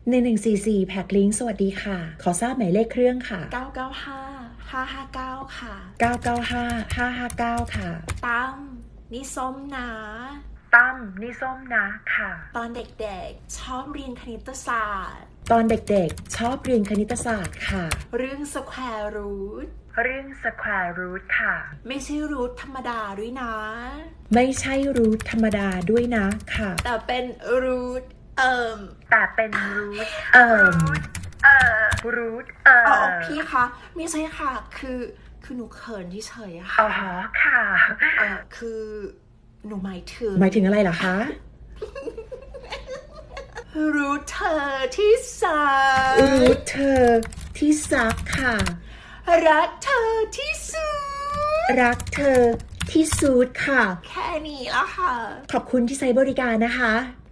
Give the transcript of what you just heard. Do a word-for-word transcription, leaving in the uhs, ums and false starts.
หนึ่งหนึ่งสี่สี่แพ็คลิงก์สวัสดีค่ะขอทราบหมายเลขเครื่องค่ะเก้าเก้าห้าห้าห้าเก้าค่ะเก้าเก้าห้าห้าห้าเก้าค่ะตั้มนี่ส้มนะตั้มนี่ส้มนะค่ะตอนเด็กๆชอบเรียนคณิตศาสตร์ตอนเด็กๆชอบเรียนคณิตศาสตร์ค่ะเรื่องสแควร์รูทเรื่องสแควร์รูทค่ะไม่ใช่รูทธรรมดาด้วยนะไม่ใช่รูทธรรมดาด้วยนะค่ะแต่เป็นรูทเอ่มแต่เป็นรูทเอ่มเอ่อรูทเอ่ออ๋อพี่คะไม่ใช่ค่ะคือคือหนูเขินที่เฉยอะค่ะอ๋อค่ะเออคือหนูหมายถึงหมายถึงอะไรล่ะคะรูทเธอที่ซักรูทเธอที่ซักค่ะรักเธอที่สุดรักเธอที่สุดค่ะแค่นี้ละค่ะขอบคุณที่ใช้บริการนะคะ